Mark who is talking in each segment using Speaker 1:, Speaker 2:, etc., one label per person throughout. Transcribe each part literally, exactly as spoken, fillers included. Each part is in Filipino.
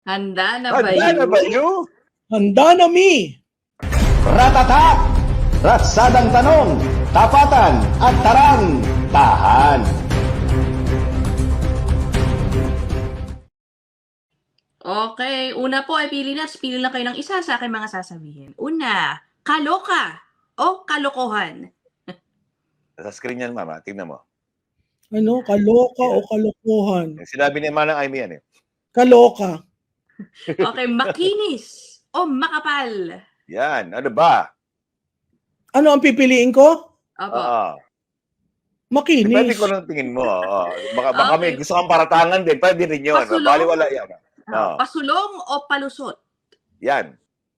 Speaker 1: Handa na ba
Speaker 2: Handa na
Speaker 1: yun?
Speaker 2: ba yun?
Speaker 3: Handa na mi!
Speaker 4: Ratatak! Ratsadang tanong, tapatan at tarang, tahan.
Speaker 1: Okay, una po ay pili na. Pili lang kayo ng isa sa aking mga sasabihin. Una, kaloka o kalokohan?
Speaker 2: Sa screen yan, mama. Tingnan mo.
Speaker 3: Ano? Kaloka o kalokohan?
Speaker 2: Yung sinabi ni Manang Amy yan eh.
Speaker 3: Kaloka.
Speaker 1: Okay, makinis o makapal?
Speaker 2: Yan. Ano ba?
Speaker 3: Ano ang pipiliin ko?
Speaker 1: Opo.
Speaker 2: Oo.
Speaker 3: Makinis.
Speaker 2: Depende ko ng tingin mo. Oo. Baka, baka may
Speaker 1: Okay.
Speaker 2: gusto kang paratangan din. Pwede rin yun.
Speaker 1: Pasulong?
Speaker 2: Baliwala yan.
Speaker 1: Ah,
Speaker 2: Oo.
Speaker 1: pasulong o palusot?
Speaker 2: Yan.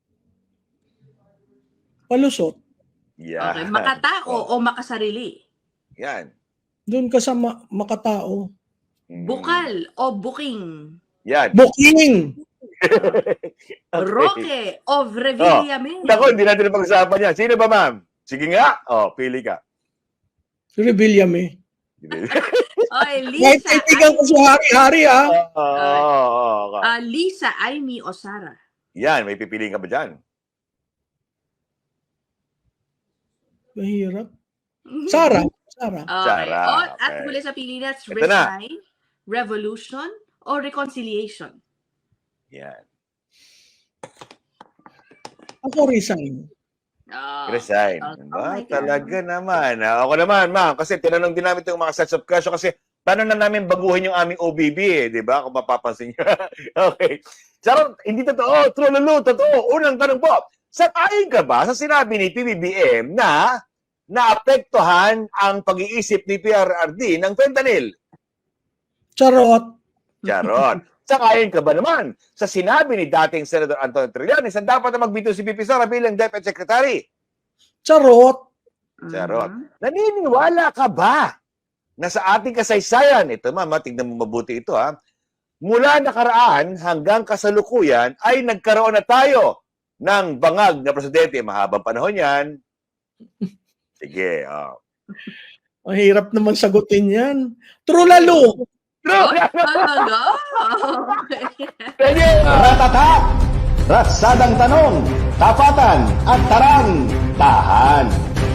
Speaker 3: Palusot.
Speaker 2: Yan.
Speaker 1: Okay, makatao o makasarili?
Speaker 2: Yan.
Speaker 3: Doon ka sa ma- makatao.
Speaker 2: Mm.
Speaker 1: Bukal o buking?
Speaker 2: Yan.
Speaker 3: Booking!
Speaker 2: Okay.
Speaker 1: Roque o Revillame?
Speaker 2: Naku, hindi natin pag-usapan yan. Sino ba, ma'am? Sige nga. Oh, pili ka.
Speaker 3: Revillame.
Speaker 1: Okay,
Speaker 3: Kahit
Speaker 1: Lisa,
Speaker 3: kaibigan ko sa hari-hari ah.
Speaker 2: Oo. oo, oo.
Speaker 1: ah, Lisa, Amy o Sarah?
Speaker 2: Yan, may pipiliin ka ba dyan?
Speaker 3: Mahirap. Sarah. Sarah.
Speaker 1: Okay.
Speaker 2: Sarah,
Speaker 1: O, at
Speaker 2: okay.
Speaker 1: huli sa pili na,
Speaker 2: Ito na.
Speaker 1: resign, revolution, o reconciliation?
Speaker 2: Yan.
Speaker 3: Ako resign.
Speaker 1: Oh.
Speaker 2: Resign.
Speaker 1: Oh,
Speaker 2: Diba?
Speaker 1: oh my God.
Speaker 2: Talaga naman. Ah, ako naman, ma'am. Kasi tinanong din namin itong mga sets of question kasi paano na namin baguhin yung aming O B B eh. Di ba? Kung mapapansin nyo. Okay. Charot, hindi totoo. True lulu, totoo. Unang tanong po. Sang-ayon ka ba sa sinabi ni P B B M na naapektuhan ang pag-iisip ni P R R D ng fentanyl?
Speaker 3: Charot.
Speaker 2: Charot. Sang-ayon ka ba naman sa sinabi ni dating Senator Antonio Trillanes na dapat na magbito si P P Sara bilang Deputy Secretary?
Speaker 3: Charot.
Speaker 2: Charot.
Speaker 1: Mhm.
Speaker 2: Naniniwala ka ba na sa ating kasaysayan, ito mama, tingnan mo mabuti ito ha, mula nakaraan hanggang kasalukuyan ay nagkaroon na tayo ng bangag na presidente. Mahabang panahon yan. Sige. Oh.
Speaker 3: Mahirap naman sagutin yan. True lalo.
Speaker 2: True!
Speaker 1: Oh, talaga? Okay.
Speaker 2: Sige!
Speaker 4: Ratatak! Ratsadang tanong, tapatan at tarang, tahan.